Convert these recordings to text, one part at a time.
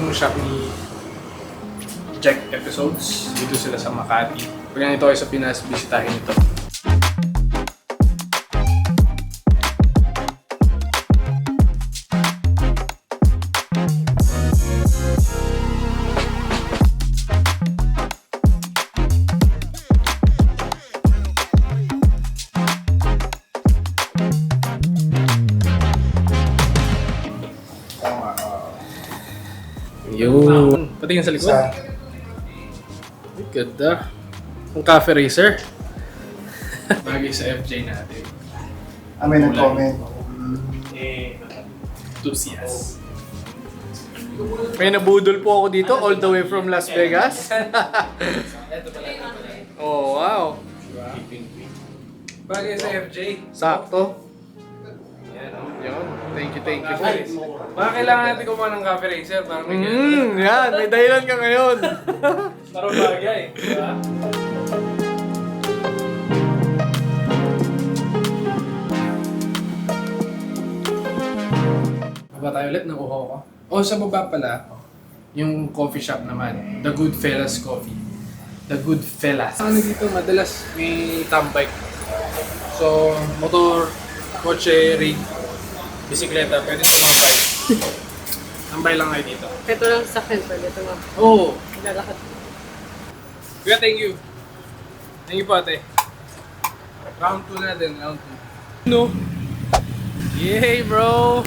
yung shop ni Jack Episodes. Dito sila sa Makati. Pag nandito kayo sa Pinas, bisitahin ito. Yun. Patingin sa likod. Ay, ganda. Ang cafe racer. Bagay sa FJ natin. May nag-comment. Enthusiast. May nabudol po ako dito all the way from Las Vegas. Oh, wow. Bagay sa FJ. Sakto. Yun. Thank you po. Baka kailangan natin kumuha ng cafe racer para may yan. May dahilan ka ngayon. Parang bagay. Diba? Baba tayo ulit, nakuha ko. O sa baba pala, yung coffee shop naman. The Good Fellas Coffee. The Good Fellas. Ano dito, madalas may tambay. So, motor, kotse, rig, bisikleta, pwede tumambay. Tambay lang kayo dito. Ito lang sa akin, pwede ito nga. Oo. Lalakad. Kuya, thank you. Thank you po, ate. Round 2 natin, round 2. No. Yay, bro!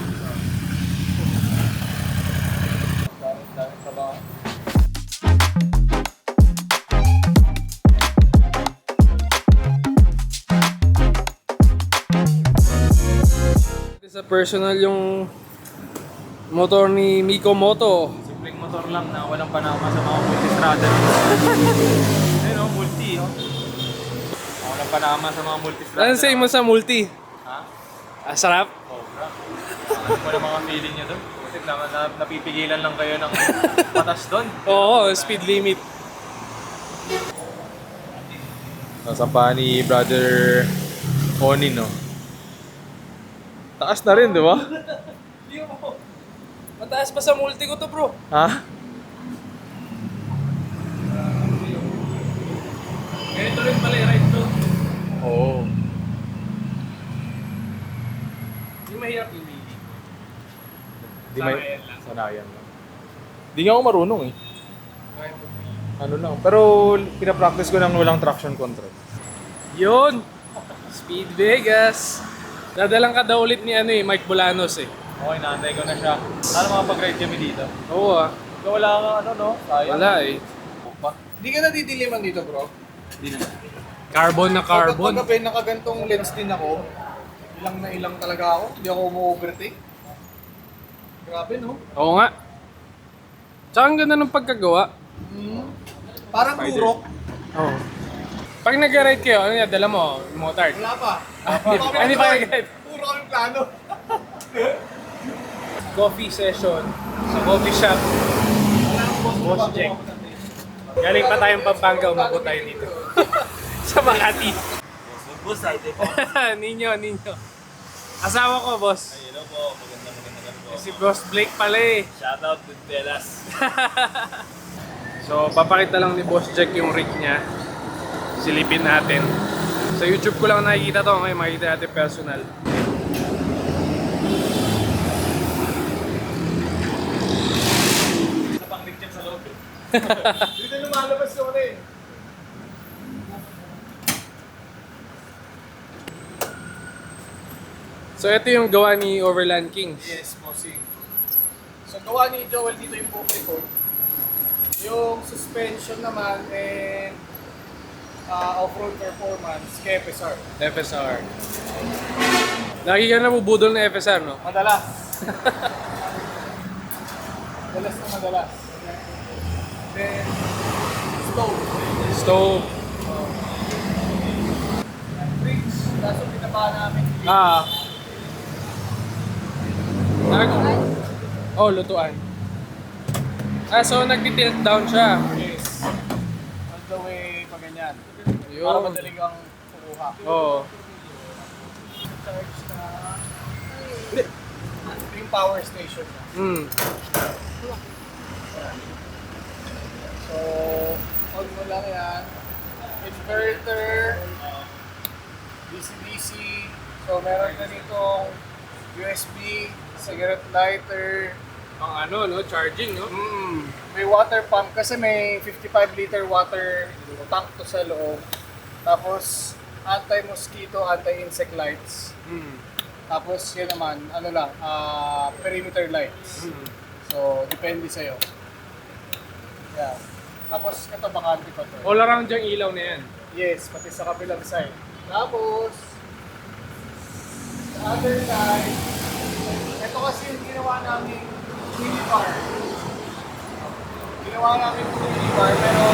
Daming trabaho. Sa personal yung motor ni Miko Moto. Simpleng motor lang na walang panama sa mga multistrada. Ayun o, multi o. Walang panama sa mga multistrada. Ano say mo sa multi? Ha? Ah, sarap? Sobra. Ano po na mga feeling nyo doon? Kasi napipigilan lang kayo ng patas doon. Oo, speed limit. Nasa pa ni Brother Onin, no? Taas na rin, di ba? Hindi mo. Mataas pa sa multi ko to, bro. Ha? Ganito rin pala i-ride to. Oo. Hindi mahirap i-wheelie. Di may... Sanayan lang. Sanayan lang. Di nga ako marunong eh. Kahit mag-wheelie. Ano lang. Pero pinapractice ko nang walang traction control. Yun! Speed Vegas! Dadalang ka daw ulit ni Mike Bolanos eh. Okay, naantay ko na siya. Sana makapag-ride kami dito. Oo ah. So, wala ka ano, no? Sayang. Wala eh. Hindi ka nadidiliman dito, bro. Hindi na. Carbon na carbon. Pagka nakagantong lens din ako, ilang na ilang talaga ako. Hindi ako umu-overtake. Grabe, no? Oo nga. Tsaka ang ganda ng pagkagawa. Parang Spider. turok. Oo. Pag nag-ride kayo, ano yan? Dala mo? Motard? Wala pa. Hindi pa nag-ride. Puro kami plano. Coffee session sa coffee shop. Boss Jack. Galing pa tayong Pampanga, umabot tayo dito. Sa Makati. Boss, ay, po. Ninyo. Asawa ko, boss. Ay, hello po. Magandang po. Si Boss Blake pala eh. Shoutout to Velas. So, papakita lang ni Boss Jack yung rig niya. Silipin natin. Sa YouTube ko lang nakikita to. Ngayon makikita natin personal. Isa pang link sa loob. Dito lumalabas yun eh. So, ito yung gawa ni Overland Kings. Yes, bossing. So, gawa ni Joel dito yung poke ko. Yung suspension naman and off-road performance kay FSR. FSR. Lagi ka nabubudol na FSR, no? Madalas. Madalas. Then, stove. Stove. Bridge. Kaso pinaba namin. Oh, lutuan. So nag-tilt down siya. Yes. All the way pa ganyan. Yun. Para madaling kang kukuha. Oo. Charge na... Ito yung power station na. So, on mo lang yan. Inverter, DC-DC. So, meron na ditong USB, cigarette lighter. Ang ano, no? Charging, no? May water pump kasi may 55 liter water tank to sa loob. Tapos, anti-mosquito, anti-insect lights. Tapos, yun naman, ano lang, perimeter lights. So, depende sa'yo. Yeah. Tapos, ito bakante pa to. All around yung ilaw na yan. Yes, pati sa kabilang side. Tapos, sa other side, ito kasi yung ginawa namin minibar. Ginawa namin minibar, pero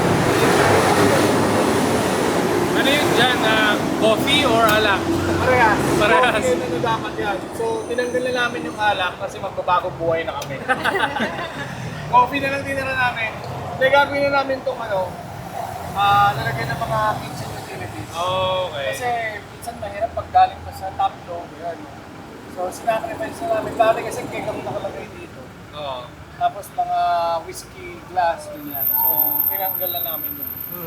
Ano yun dyan? Coffee or alak? parehas. Parehas. So, yun ano dapat yan. So, tinanggal na namin yung alak kasi magbabagong buhay na kami. Coffee na lang dinala namin. Hindi, gagawin na namin itong lalagyan ng mga kitchen utilities. Okay. Kasi minsan mahirap pag galing pa sa top floor. Yan. So, sinacrifice na namin. Dati kasi cake kami nakalagay dito. Oo. Tapos mga whiskey glass, ganyan. So, tinanggal na namin yun.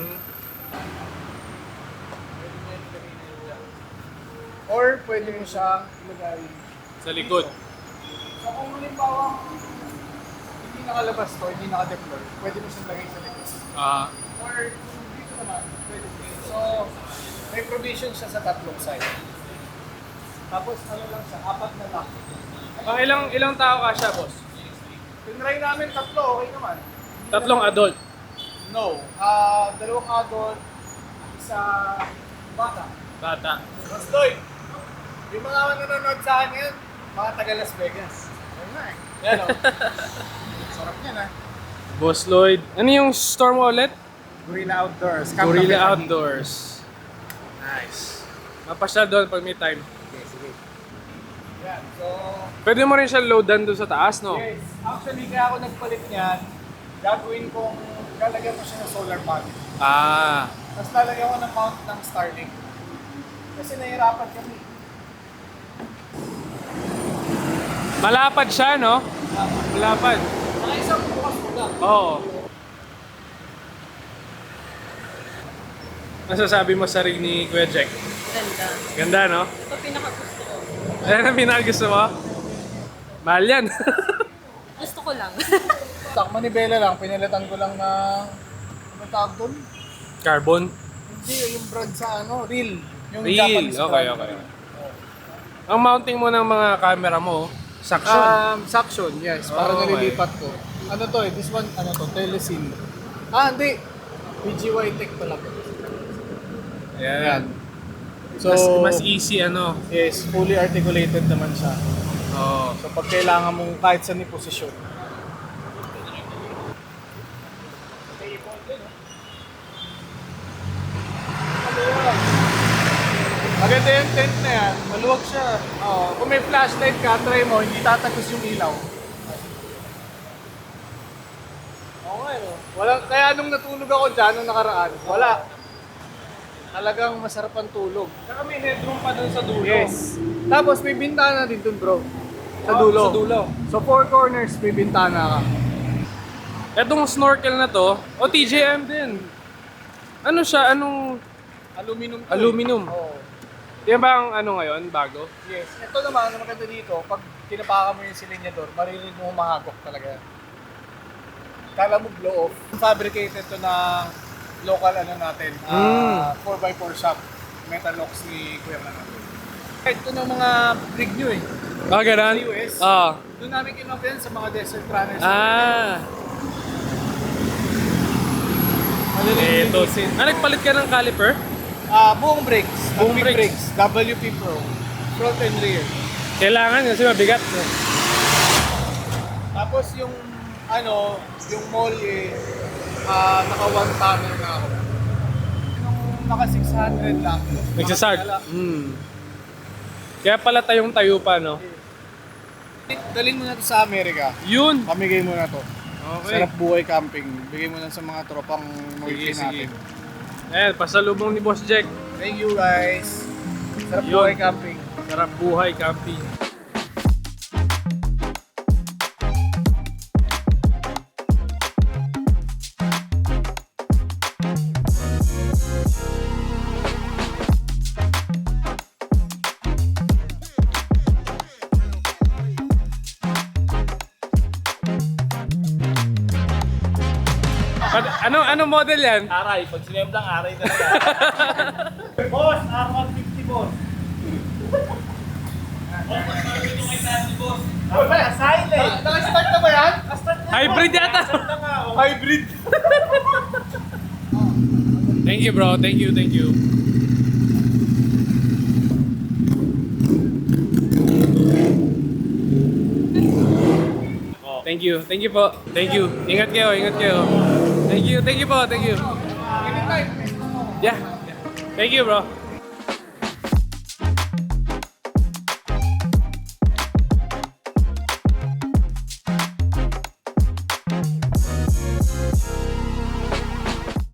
Or pwede mo siyang ilagay. Sa likod. So, kung halimbawa, hindi nakalabas to, hindi naka-deploy, pwede mo siyang lagay sa likod. Or kung dito naman, pwede din. So, may provision siya sa tatlong side. Tapos ano lang siya, 4 na lock. Ang ilang tao ka siya, boss? Tinry namin tatlo, okay naman. Tatlong adult. No. 2 adult, isa bata. Bata. Mas Lloyd, yung mga nanonood sa akin ngayon, mga taga Las Vegas. Ayun na eh. Yan o. Sarap yan ah. Boss Lloyd. Ano yung store mo ulit? Gorilla Outdoors. Gorilla Outdoors. Nice. Mapasyal doon pag may time. Yan. So, Pwede mo rin siya loadan doon sa taas, no? yes. Actually, kaya ako nagpalit niyan, gagawin kong, lalagyan ko siya ng solar panel. Ah. Tapos lalagyan ko ng mount ng Starlink. Kasi nahirapan kami. Malapad siya, no? Malapad. Saka isang bukas ko lang. Oo. Masasabi mo sa rig ni Kuya Jack? Ganda. Ganda, no? Ito pinakagusto ko. Ayan ang pinakagusto mo? Mahal yan. Gusto ko lang. Sa manibela lang, pinalitan ko lang na, ano tawag doon? Carbon? Hindi, yung brand sa ano, reel. Yung Reel. Japanese Okay, brand. okay. Ang mounting mo ng mga camera mo, suction. Suction, yes. Para Oh, nalilipat ko. Ano to eh, this one, ano to, Telesin. Hindi. PGY Tech pala to. Ayan. So, Mas easy, ano? yes, fully articulated naman siya. Oo. So pag kailangan mong kahit saan ni posisyon. Maganda yung tent na yan. Maluwag siya. Kung may flashlight ka, try mo, hindi tatagos yung ilaw. Okay, no? Kaya nung natulog ako dyan, nung nakaraan, wala. Talagang masarap ang tulog. Saka may headroom pa dun sa dulo. Yes. Tapos may bintana din dun, bro. Sa dulo. Sa dulo. So, 4 corners, may bintana ka. Etong snorkel na to, o TJM din. Ano siya? Anong Aluminum to. aluminum? Oo. Yan ba ang ano ngayon, bago? Yes. Ito naman, ang maganda dito, pag tinapakan mo yung silinyador, maririnig mo humahagok talaga. Kala mo blow off. Fabricated to ng local ano natin, 4x4 shop. Metal locks ni Kuya natin. Ito ng mga rig nyo eh. Ah, ganun? Sa US. Ah. Doon namin kinuha yan sa mga desert runners. Ah. Ito. Ah, nagpalit ka ng caliper? Buong brakes. Buong WP brakes. WP Pro. Front and rear. Kailangan kasi mabigat. Tapos yung ano, yung mall eh, naka 1 tonner na ako. Yung naka 600 lang. Nagsasart. Kaya pala tayong tayo pa, no? Dalhin mo na to sa Amerika. Yun! Pamigay mo na to. Okay. Sarap buhay camping. Bigay mo na sa mga tropang Sige, noisy sige. natin. Ayan, pasalubong ni Boss Jack. Thank you guys. Sarap Yun. buhay camping. Sarap buhay, camping. Ano model yan? Aray, pag sinemblang aray talaga. Boss, R150 boss. Silent. Naka-start na ba yan? Hybrid yata. Hybrid. Thank you bro, thank you. Thank you po. Thank you. Ingat kayo. Thank you po. Anytime. Yeah. Thank you bro.